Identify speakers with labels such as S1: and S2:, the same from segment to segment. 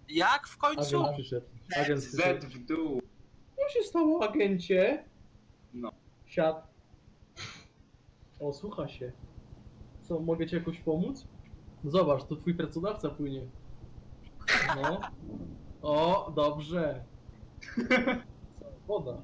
S1: Jak w końcu?
S2: Agent przyszedł. Agent
S3: Z
S2: przyszedł.
S3: w dół.
S2: Co się stało, agencie?
S3: No.
S2: Siad. O, słucha się. Co, mogę ci jakoś pomóc? No zobacz, to twój pracodawca płynie. No. O, dobrze. Co, woda.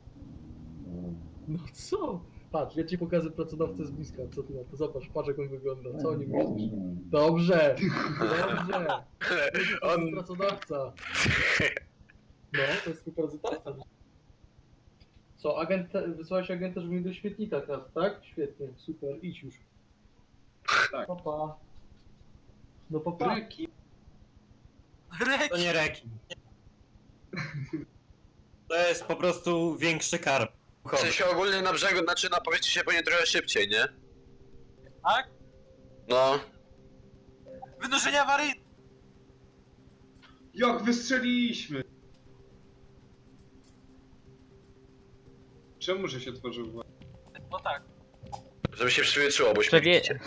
S2: No co? Patrz, ja ci pokażę pracodawcę z bliska, co ty na to? Zobacz, patrz jak on wygląda, co o nim myślisz? Dobrze, dobrze. To jest pracodawca. No, to jest twój pracodawca. Co, agent, wysłałeś agenta, żeby mi do śmietnika kradł, tak? Świetnie, super, idź już.
S3: Tak.
S2: Papa. No papa.
S3: Reki.
S1: Rek.
S4: To nie rekin. To jest po prostu większy karp.
S5: W sensie ogólnie na brzegu, znaczy na powierzchni się powinien trochę szybciej, nie?
S1: Tak?
S5: No.
S1: Wynurzenia awaryjne.
S3: Jak wystrzeliliśmy! Czemu, że się otworzył właśnie?
S1: No tak.
S5: Żeby się przywietrzyło, bo
S6: Przewie...
S5: śmierdzicie.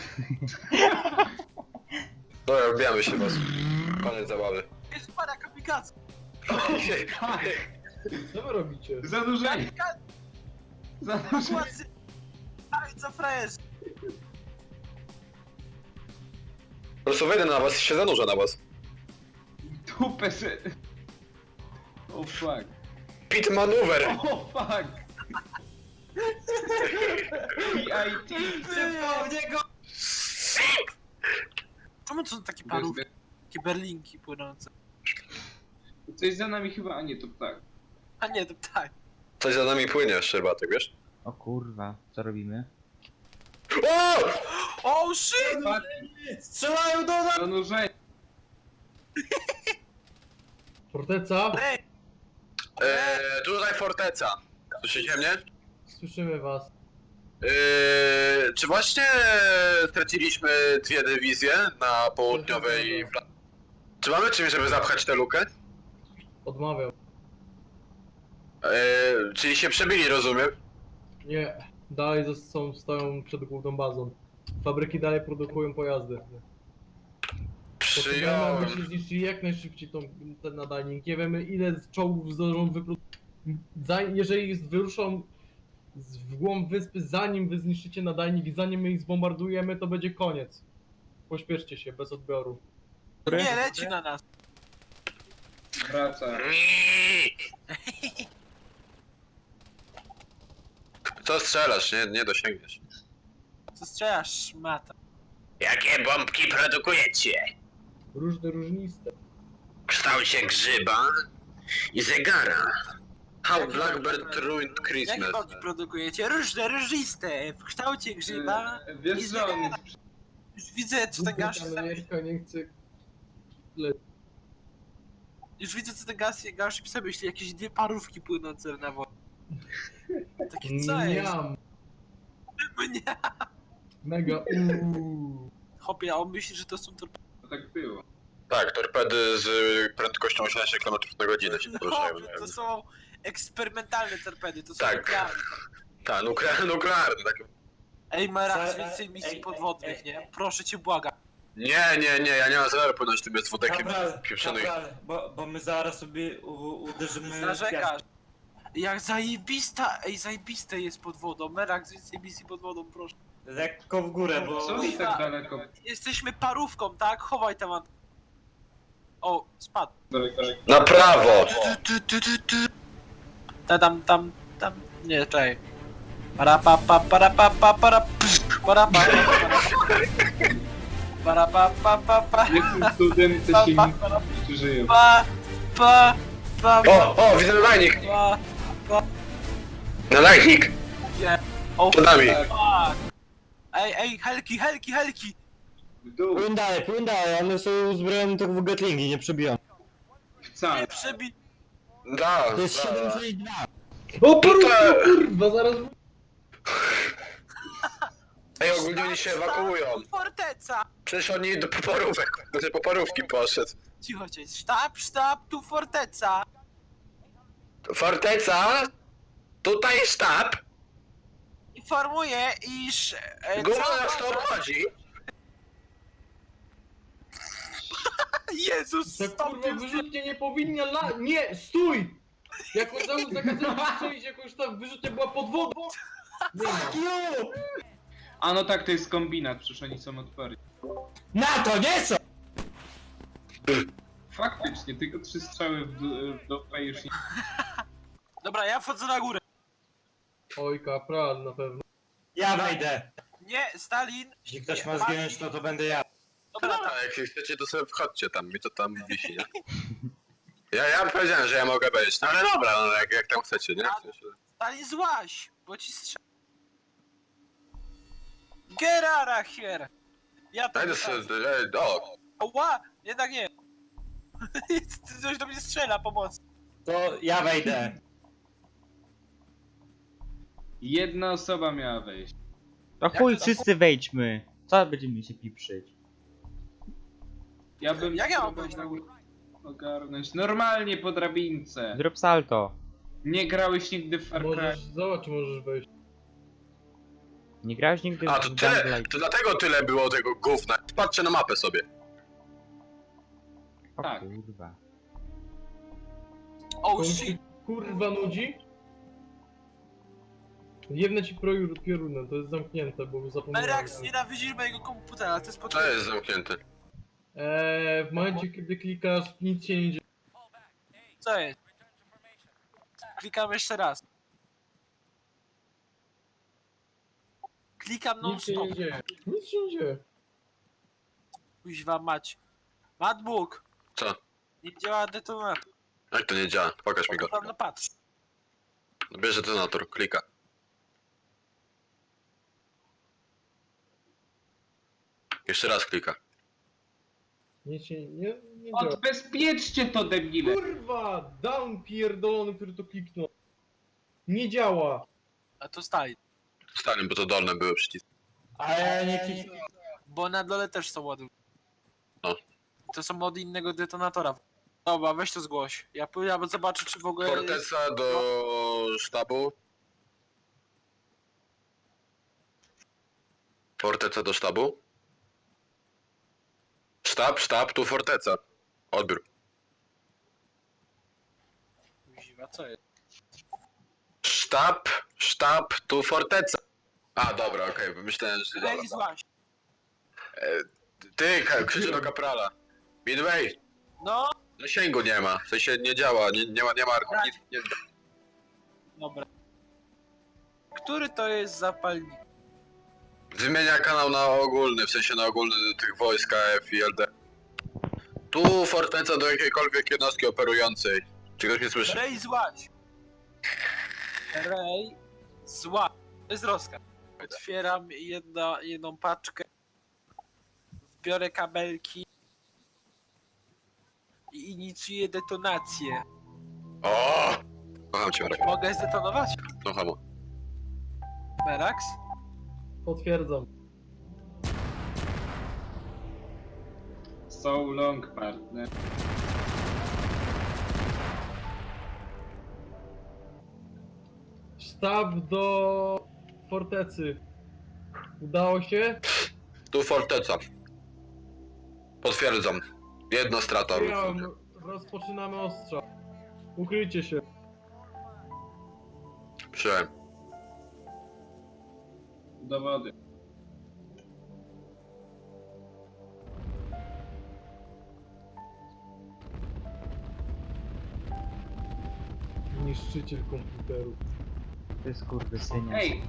S5: Dobra, odbijamy się was. Koniec zabawy.
S1: Jest para kamikaze.
S2: Co wy robicie?
S3: Zanurzenie!
S1: Kamikaze.
S3: Zanurzenie!
S1: Płacy. Aj, co frajerz.
S5: Po prostu wejdę na was i się zanurzę na was.
S3: Dupę se... Oh fuck.
S5: Pit maneuver!
S3: Oh fuck! PIT!
S4: Szybko w niego!
S1: Czemu to są takie parówki? Takie berlinki płynące?
S3: Coś za nami chyba, a nie, to tak.
S1: A nie, to tak.
S5: Coś za nami płynie, Szczerbatek, wiesz?
S6: O kurwa, co robimy?
S5: O!
S1: Oh shit!
S3: Fuck,
S4: Strzelają do nas!
S3: zanurzenie!
S2: Forteca?
S1: Ej,
S5: Tutaj forteca. Słyszycie mnie?
S2: Słyszymy was.
S5: Czy właśnie straciliśmy dwie dywizje na południowej flance? Czy mamy czymś, żeby zapchać tę lukę?
S2: Odmawiam.
S5: Czyli się przebili, rozumiem?
S2: Nie. Dalej stoją przed główną bazą. Fabryki dalej produkują pojazdy. Potrzebujemy,
S5: Przyjąłem.
S2: abyście zniszczyli jak najszybciej ten nadajnik. Nie wiemy ile czołgów zdążą wyprodukować. Jeżeli wyruszą w głąb wyspy, zanim wy zniszczycie nadajnik i zanim my ich zbombardujemy, to będzie koniec. Pośpieszcie się, bez odbioru.
S1: nie, leci na nas.
S3: Wraca.
S5: Co strzelasz? Nie dosięgniesz.
S1: Co strzelasz, mata?
S5: Jakie bombki produkujecie?
S2: Różne, różniste.
S5: W kształcie grzyba i zegara. How Blackbird Ruined
S1: Jakie
S5: Christmas.
S1: boki produkujecie? Różne, różiste, w kształcie grzyba.
S3: Wiesz, że on...
S1: Już widzę, co ten gaz...
S2: Ameryka nie chce...
S1: Już widzę, co ten gaz sobie myśli. Jakieś dwie parówki płynące na wodzie. Takie co jest?
S2: Niam.
S1: Mnie.
S2: Mega
S1: Hopie, a on myśli, że to są torpedy.
S3: Tak było.
S5: Tak, torpedy z prędkością 80 km na godzinę się poruszają.
S1: No, to są eksperymentalne torpedy, to są
S5: Tak.
S1: nuklearne.
S5: Tak, nuklearny, tak.
S1: Ej, Merax, więcej misji podwodnych, nie? Proszę cię, błagam.
S5: Nie, ja nie mam zamiaru płynąć tym jest wódek pieprzonych.
S4: Bo my zaraz sobie uderzymy w
S1: Narzekasz.
S4: piasek.
S1: Jak zajebiste jest pod wodą. Merax, więcej misji pod wodą, proszę.
S4: Lekko w górę, bo...
S3: Co mi tak daleko?
S1: Jesteśmy parówką, tak? Chowaj tam. O, spadł.
S3: Daleko.
S5: Na prawo!
S1: Tam. Nie, czekaj. Para pa pa para pa pa para psz, para pa para pa pa pa pa
S3: Jakim cudem te
S1: pa
S3: silniki
S1: pa
S3: jeszcze żyją?
S1: pa pa
S5: O, widzę nadajnik!
S1: pa
S5: Nadajnik!
S1: nie. O
S5: Przed nami!
S1: fuck. Ej, helki.
S3: W dół.
S4: Płyn dalej, one są uzbrojone tylko w gatlingi, nie przebiją.
S3: Wcale.
S1: Nie przebi...
S5: Da,
S4: To jest
S5: da.
S4: 762.
S2: O kurwa, zaraz...
S5: Ej, ogólnie oni się ewakuują.
S1: Forteca!
S5: Przecież oni do poparówek, do tej poparówki poszedł.
S1: Cicho cię. Sztab, tu forteca!
S5: Forteca? Tutaj sztab?
S1: Informuję, iż...
S5: Guma nas to obchodzi.
S1: Jezus,
S2: Ta
S1: stop
S2: kurwa wyrzutnie nie powinna Nie, stój! Jak on zakazał strzelić, jak już ta wyrzutnia była pod wodą. Nie ma.
S3: A no tak, to jest kombinat, przecież oni są odporni.
S4: Na to nie są!
S3: Faktycznie, tylko 3 strzały w dupę już nie...
S1: Dobra, ja wchodzę na górę.
S2: Oj, kapral na pewno.
S4: Ja wejdę.
S1: Nie, Stalin.
S4: Jeśli ktoś ma zginąć, to będę ja.
S1: Dobra,
S5: A jak chcecie, to sobie wchodźcie tam, mi to tam wisi, nie? Ja powiedziałem, że ja mogę być, no ale dobra, no jak tam chcecie, nie? W sensie...
S1: Stalin złaś, bo ci strzel... Get out of here! Ja to
S5: Dajdę sobie, o,
S1: Ła! Jednak nie! Coś do mnie strzela, pomoc!
S4: To ja wejdę.
S3: Jedna osoba miała wejść.
S6: To chuj, wszyscy wejdźmy. Co będziemy się piprzyć?
S3: Ja bym...
S1: Jak ja mam wejść na górę?
S3: Ogarnąć. Normalnie po drabince.
S6: Zrób salto.
S3: Nie grałeś nigdy w Far Cry.
S2: Zobacz, czy możesz wejść.
S6: Nie grałeś nigdy
S5: a to
S6: w
S5: tyle,
S6: Gunlight?
S5: to dlatego tyle było tego gówna. Patrzcie na mapę sobie.
S6: O
S3: tak.
S6: kurwa.
S1: Oh
S2: To mi
S1: shit!
S2: się kurwa nudzi. Jebnę ci piorunem, to jest zamknięte, bo zapomniałem.
S1: Merax, nienawidzisz mojego komputera, to jest
S5: To
S1: potrzebne.
S5: jest zamknięte.
S2: W momencie, kiedy klikasz, nic się nie dzieje.
S1: Co jest? Klikam jeszcze raz. Klikam non
S2: Nic się
S1: stop.
S2: nie dzieje. Nic się nie dzieje.
S1: Kuźwa mać. Madbook!
S5: Co?
S1: Nie działa detonator.
S5: Jak to nie działa? Pokaż mi go.
S1: No patrz.
S5: Bierze detonator, klika. Jeszcze raz klika.
S2: Nic się nie działa.
S3: Odbezpieczcie to, debile!
S2: Kurwa! Down pierdolony, który to kliknął. Nie działa.
S1: A to Stalin.
S5: Stalin, bo to dolne były przyciski.
S4: A ja nie kliknę.
S1: Bo na dole też są ładunki.
S5: No.
S1: To są od innego detonatora. Dobra, weź to zgłoś. Ja pójdę zobaczę, czy w ogóle jest...
S5: Forteca do sztabu. Forteca do sztabu. Sztab, tu forteca. Odbiór.
S1: Kuźwa, co jest?
S5: Sztab, tu forteca. A, dobra, okej, myślałem, że...
S1: Ej,
S5: Dobra.
S1: złaś.
S5: Ty, krzyczę do kaprala. Midway,
S1: No,
S5: zasięgu nie ma, w sensie nie działa, nie ma nic, nie...
S1: dobra. Który to jest zapalnik?
S5: Wymienia kanał na ogólny, w sensie na ogólny tych wojsk AF i LD. Tu forteca do jakiejkolwiek jednostki operującej. Czy ktoś mnie słyszy?
S1: Rej złaś. Rej złaś. To jest rozkaz. Otwieram jedną paczkę. Biorę kabelki. I inicjuję detonację.
S5: O! Kocham cię, Marek.
S1: Mogę zdetonować?
S5: No hamo.
S1: Merax?
S2: Potwierdzam.
S3: So long, partner.
S2: Sztab do fortecy. Udało się?
S5: Tu forteca. Potwierdzam. Jedna strata.
S2: Przyjąłem. Rozpoczynamy ostrza. Ukryjcie się.
S5: Przyjąłem.
S3: Dowody.
S2: Niszczyciel komputerów.
S6: To jest kurwy synia.
S3: Ej,